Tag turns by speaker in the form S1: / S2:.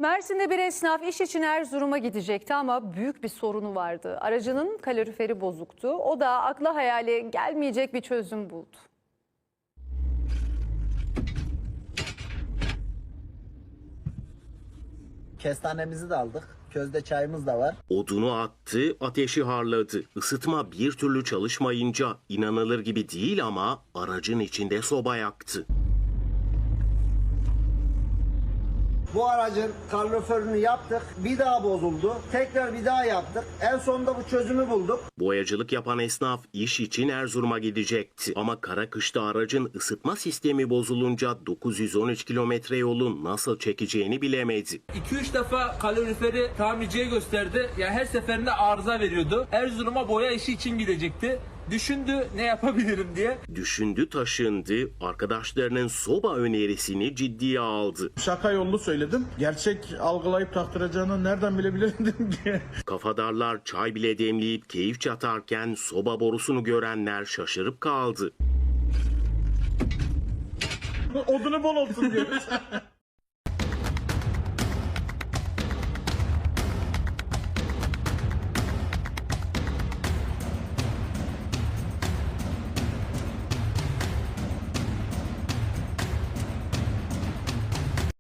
S1: Mersin'de bir esnaf iş için Erzurum'a gidecekti ama büyük bir sorunu vardı. Aracının kaloriferi bozuktu. O da akla hayale gelmeyecek bir çözüm buldu.
S2: Kestanemizi de aldık. Közde çayımız da var.
S3: Odunu attı, ateşi harladı. Isıtma bir türlü çalışmayınca inanılır gibi değil ama aracın içinde soba yaktı.
S2: Bu aracın kaloriferini yaptık. Bir daha bozuldu. Tekrar bir daha yaptık. En sonunda bu çözümü bulduk.
S3: Boyacılık yapan esnaf iş için Erzurum'a gidecekti. Ama kara kışta aracın ısıtma sistemi bozulunca 913 kilometre yolu nasıl çekeceğini bilemedi.
S4: 2-3 defa kaloriferi tamirciye gösterdi. Yani her seferinde arıza veriyordu. Erzurum'a boya işi için gidecekti. Düşündü ne yapabilirim diye.
S3: Düşündü taşındı, arkadaşlarının soba önerisini ciddiye aldı.
S5: Şaka yollu söyledim. Gerçek algılayıp taktıracağını nereden bilebilirdim ki?
S3: Kafadarlar çay bile demleyip keyif çatarken soba borusunu görenler şaşırıp kaldı.
S5: Odunu bol olsun diyoruz.